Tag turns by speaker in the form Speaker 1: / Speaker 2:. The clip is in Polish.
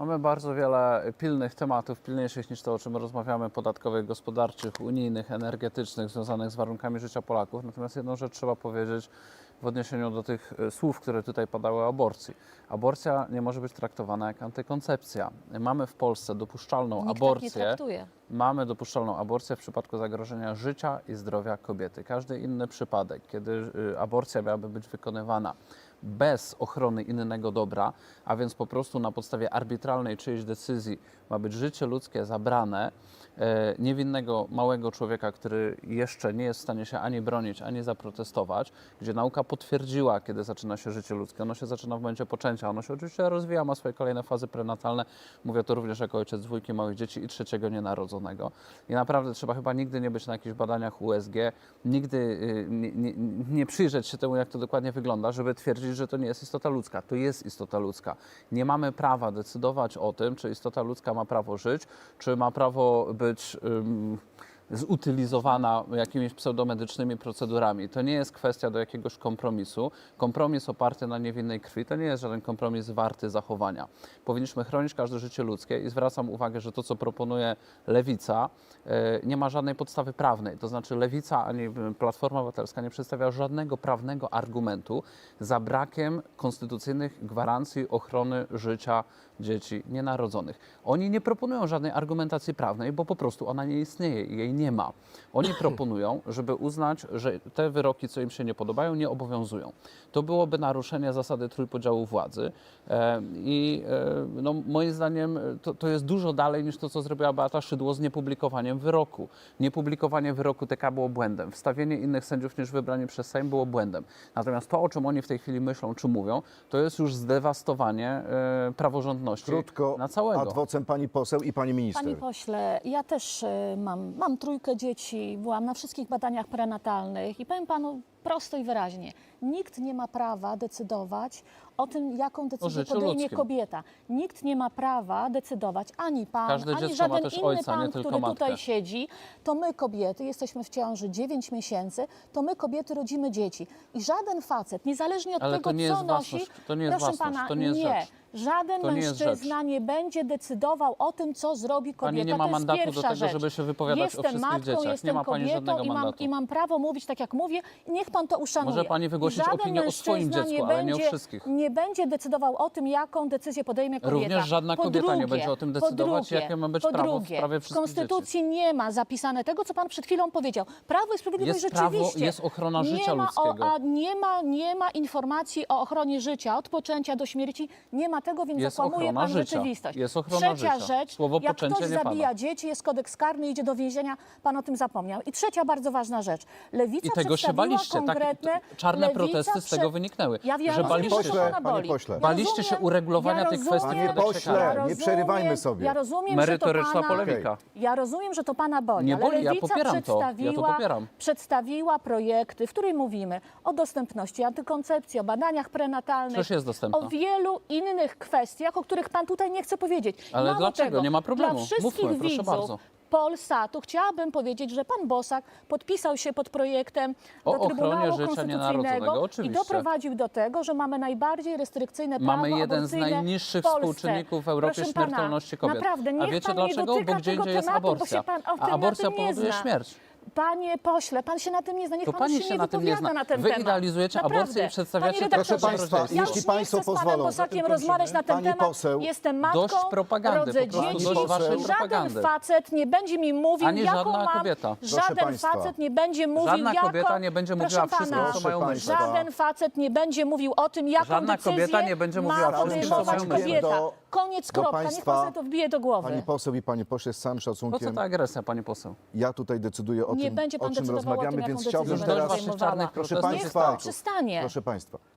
Speaker 1: Mamy bardzo wiele pilnych tematów, pilniejszych niż to, o czym rozmawiamy, podatkowych, gospodarczych, unijnych, energetycznych, związanych z warunkami życia Polaków. Natomiast jedną rzecz trzeba powiedzieć w odniesieniu do tych słów, które tutaj padały o aborcji. Aborcja nie może być traktowana jak antykoncepcja. Mamy w Polsce dopuszczalną
Speaker 2: Nikt tak nie
Speaker 1: aborcję.
Speaker 2: traktuje.
Speaker 1: Mamy dopuszczalną aborcję w przypadku zagrożenia życia i zdrowia kobiety. Każdy inny przypadek, kiedy aborcja miałaby być wykonywana bez ochrony innego dobra, a więc po prostu na podstawie arbitralnej czyjejś decyzji ma być życie ludzkie zabrane, niewinnego małego człowieka, który jeszcze nie jest w stanie się ani bronić, ani zaprotestować, gdzie nauka potwierdziła, kiedy zaczyna się życie ludzkie. Ono się zaczyna w momencie poczęcia, ono się oczywiście rozwija, ma swoje kolejne fazy prenatalne. Mówię to również jako ojciec dwójki małych dzieci i trzeciego nienarodzonego. I naprawdę trzeba chyba nigdy nie być na jakichś badaniach USG, nigdy nie przyjrzeć się temu, jak to dokładnie wygląda, żeby twierdzić, że to nie jest istota ludzka. To jest istota ludzka. Nie mamy prawa decydować o tym, czy istota ludzka ma prawo żyć, czy ma prawo być zutylizowana jakimiś pseudomedycznymi procedurami. To nie jest kwestia do jakiegoś kompromisu. Kompromis oparty na niewinnej krwi to nie jest żaden kompromis warty zachowania. Powinniśmy chronić każde życie ludzkie i zwracam uwagę, że to, co proponuje Lewica, nie ma żadnej podstawy prawnej. To znaczy Lewica ani Platforma Obywatelska nie przedstawia żadnego prawnego argumentu za brakiem konstytucyjnych gwarancji ochrony życia dzieci nienarodzonych. Oni nie proponują żadnej argumentacji prawnej, bo po prostu ona nie istnieje i jej nie ma. Oni proponują, żeby uznać, że te wyroki, co im się nie podobają, nie obowiązują. To byłoby naruszenie zasady trójpodziału władzy no, moim zdaniem to jest dużo dalej niż to, co zrobiła Beata Szydło z niepublikowaniem wyroku. Niepublikowanie wyroku TK było błędem. Wstawienie innych sędziów niż wybrani przez Sejm było błędem. Natomiast to, o czym oni w tej chwili myślą czy mówią, to jest już zdewastowanie praworządności
Speaker 3: Krótko,
Speaker 1: na całego.
Speaker 3: ad vocem pani poseł i pani minister.
Speaker 2: Panie pośle, ja też mam trójkę dzieci, byłam na wszystkich badaniach prenatalnych i powiem panu prosto i wyraźnie, nikt nie ma prawa decydować o tym, jaką decyzję
Speaker 1: życiu
Speaker 2: podejmie
Speaker 1: ludzkim.
Speaker 2: kobieta. Nikt nie ma prawa decydować, ani pan,
Speaker 1: Każde
Speaker 2: ani
Speaker 1: dziecko ma
Speaker 2: żaden
Speaker 1: też
Speaker 2: inny
Speaker 1: ojca, nie
Speaker 2: pan,
Speaker 1: tylko
Speaker 2: który
Speaker 1: matkę.
Speaker 2: tutaj siedzi. To my kobiety, jesteśmy w ciąży 9 miesięcy, to my kobiety rodzimy dzieci. I żaden facet, niezależnie od
Speaker 1: Ale
Speaker 2: tego,
Speaker 1: to nie
Speaker 2: co
Speaker 1: jest
Speaker 2: nosi,
Speaker 1: własność, to nie jest
Speaker 2: proszę
Speaker 1: własność,
Speaker 2: pana,
Speaker 1: to nie jest rzecz.
Speaker 2: Żaden
Speaker 1: To nie jest
Speaker 2: mężczyzna
Speaker 1: rzecz.
Speaker 2: nie będzie decydował o tym, co zrobi kobieta.
Speaker 1: Pani nie ma
Speaker 2: To jest
Speaker 1: mandatu do
Speaker 2: pierwsza
Speaker 1: tego,
Speaker 2: rzecz.
Speaker 1: żeby się wypowiadać o
Speaker 2: Jestem
Speaker 1: wszystkich
Speaker 2: matką,
Speaker 1: dzieciach. Nie
Speaker 2: jestem
Speaker 1: ma pani
Speaker 2: kobietą
Speaker 1: żadnego mandatu.
Speaker 2: i mam prawo mówić tak, jak mówię i niech pan to uszanuje.
Speaker 1: Może pani wygłosić
Speaker 2: I żaden
Speaker 1: opinię o swoim
Speaker 2: mężczyzna
Speaker 1: dziecku, ale nie o wszystkich.
Speaker 2: Nie będzie decydował o tym, jaką decyzję podejmie kobieta.
Speaker 1: Również żadna kobieta nie będzie o tym decydować,
Speaker 2: po drugie,
Speaker 1: jakie ma być
Speaker 2: po
Speaker 1: prawo w
Speaker 2: drugie,
Speaker 1: sprawie
Speaker 2: w
Speaker 1: wszystkich
Speaker 2: Konstytucji nie ma zapisane tego, co pan przed chwilą powiedział. Prawo i Sprawiedliwość
Speaker 1: Jest prawo,
Speaker 2: rzeczywiście.
Speaker 1: jest ochrona życia ludzkiego.
Speaker 2: Nie ma informacji o ochronie życia od poczęcia do śmierci. Nie ma tego, więc
Speaker 1: Jest
Speaker 2: zakłamuje
Speaker 1: ochrona
Speaker 2: pan
Speaker 1: życia.
Speaker 2: rzeczywistość.
Speaker 1: Jest ochrona
Speaker 2: Trzecia
Speaker 1: życia.
Speaker 2: rzecz,
Speaker 1: Słowo
Speaker 2: jak
Speaker 1: poczęcie
Speaker 2: ktoś
Speaker 1: nie pada.
Speaker 2: zabija dzieci, jest kodeks karny, idzie do więzienia, pan o tym zapomniał. I trzecia bardzo ważna rzecz. Lewica
Speaker 1: I tego się
Speaker 2: przedstawiła
Speaker 1: baliście.
Speaker 2: konkretne...
Speaker 1: Czarne
Speaker 2: Lewica
Speaker 1: protesty z tego wyniknęły.
Speaker 2: Ja
Speaker 1: że
Speaker 2: rozumiem,
Speaker 1: baliście
Speaker 2: że to pana
Speaker 3: Panie
Speaker 2: boli.
Speaker 3: pośle.
Speaker 1: Baliście się uregulowania tych kwestii w
Speaker 3: Panie
Speaker 1: kodeksie
Speaker 3: pośle,
Speaker 1: karnym.
Speaker 3: nie przerywajmy sobie.
Speaker 2: Ja rozumiem,
Speaker 1: Merytoryczna
Speaker 2: że to pana,
Speaker 1: polemika.
Speaker 2: Ja rozumiem, że to pana boli,
Speaker 1: Nie
Speaker 2: ale
Speaker 1: boli, ja
Speaker 2: Lewica
Speaker 1: popieram to. Ja to popieram.
Speaker 2: przedstawiła projekty, w których mówimy o dostępności antykoncepcji, o badaniach prenatalnych,
Speaker 1: Przecież jest dostępna.
Speaker 2: o wielu innych kwestiach, o których pan tutaj nie chce powiedzieć.
Speaker 1: Ale
Speaker 2: Mało
Speaker 1: dlaczego?
Speaker 2: tego,
Speaker 1: Nie ma problemu.
Speaker 2: Dla wszystkich
Speaker 1: Mówmy, proszę
Speaker 2: widzów
Speaker 1: bardzo.
Speaker 2: Polsatu chciałabym powiedzieć, że pan Bosak podpisał się pod projektem
Speaker 1: O
Speaker 2: do Trybunału
Speaker 1: ochronie życia
Speaker 2: Konstytucyjnego
Speaker 1: nienarodzonego,
Speaker 2: i
Speaker 1: oczywiście.
Speaker 2: doprowadził do tego, że mamy najbardziej restrykcyjne prawo
Speaker 1: Mamy jeden z
Speaker 2: aborcyjne
Speaker 1: najniższych
Speaker 2: w Polsce.
Speaker 1: współczynników w Europie
Speaker 2: Proszę pana,
Speaker 1: śmiertelności kobiet.
Speaker 2: Naprawdę,
Speaker 1: A
Speaker 2: niech
Speaker 1: wiecie
Speaker 2: pan nie
Speaker 1: dlaczego?
Speaker 2: dotyka
Speaker 1: Bo gdzie
Speaker 2: tego
Speaker 1: indziej jest
Speaker 2: tematu, bo
Speaker 1: aborcja.
Speaker 2: się pan o
Speaker 1: A
Speaker 2: tym na
Speaker 1: aborcja
Speaker 2: tym nie
Speaker 1: powoduje
Speaker 2: zna.
Speaker 1: śmierć.
Speaker 2: Panie pośle, pan się na tym nie zna, niech
Speaker 1: To
Speaker 2: pan
Speaker 1: pani
Speaker 2: się
Speaker 1: się
Speaker 2: nie
Speaker 1: na tym nie
Speaker 2: wypowiada
Speaker 1: zna.
Speaker 2: na ten
Speaker 1: Wy
Speaker 2: temat.
Speaker 1: idealizujecie
Speaker 2: Naprawdę.
Speaker 1: aborcję i przedstawiacie
Speaker 2: Panie
Speaker 1: to
Speaker 2: redaktorze,
Speaker 3: Proszę państwa,
Speaker 2: ja
Speaker 3: jeśli
Speaker 2: już
Speaker 3: państwo
Speaker 2: nie chcę z panem
Speaker 3: pozwolą,
Speaker 2: Bosakiem rozmawiać na ten
Speaker 3: Pani
Speaker 2: temat.
Speaker 3: poseł,
Speaker 2: Jestem matką,
Speaker 1: dość propagandy,
Speaker 2: rodzę
Speaker 1: po prostu
Speaker 2: dzieci.
Speaker 3: dość waszej
Speaker 2: Żaden
Speaker 1: propagandy.
Speaker 2: facet nie będzie mi mówił,
Speaker 1: Ani
Speaker 2: jaką
Speaker 1: żadna
Speaker 2: mam...
Speaker 1: kobieta.
Speaker 3: Proszę
Speaker 2: Żaden
Speaker 3: państwa.
Speaker 2: facet nie będzie mówił,
Speaker 1: Żadna
Speaker 2: jaką...
Speaker 1: kobieta nie będzie mówiła
Speaker 2: Proszę
Speaker 1: wszystko,
Speaker 2: pana,
Speaker 1: co mają
Speaker 3: Proszę
Speaker 1: myśleć.
Speaker 3: państwa.
Speaker 2: żaden facet nie będzie mówił o tym, jaką
Speaker 1: Żadna
Speaker 2: decyzję
Speaker 1: kobieta nie będzie mówiła
Speaker 2: ma
Speaker 1: wszystko, co
Speaker 2: podejmować
Speaker 1: mają myśleć.
Speaker 2: kobieta. Koniec,
Speaker 3: do
Speaker 2: kropka. Niech
Speaker 3: państwa,
Speaker 2: pan sobie to wbije do głowy.
Speaker 3: Pani poseł i panie pośle, z całym
Speaker 1: Po co
Speaker 3: szacunkiem,
Speaker 1: ta agresja, pani poseł?
Speaker 3: ja tutaj decyduję o
Speaker 2: Nie
Speaker 3: tym,
Speaker 2: będzie pan
Speaker 3: o czym
Speaker 2: decydował o tym,
Speaker 3: rozmawiamy,
Speaker 2: jaką
Speaker 3: więc
Speaker 2: decyzję
Speaker 3: chciałbym
Speaker 2: będę
Speaker 1: Już dość
Speaker 3: teraz...
Speaker 1: waszych
Speaker 2: podejmowała.
Speaker 1: czarnych
Speaker 3: Proszę
Speaker 1: protestów.
Speaker 2: Niech
Speaker 3: państwa,
Speaker 2: pan przestanie.
Speaker 3: proszę państwa,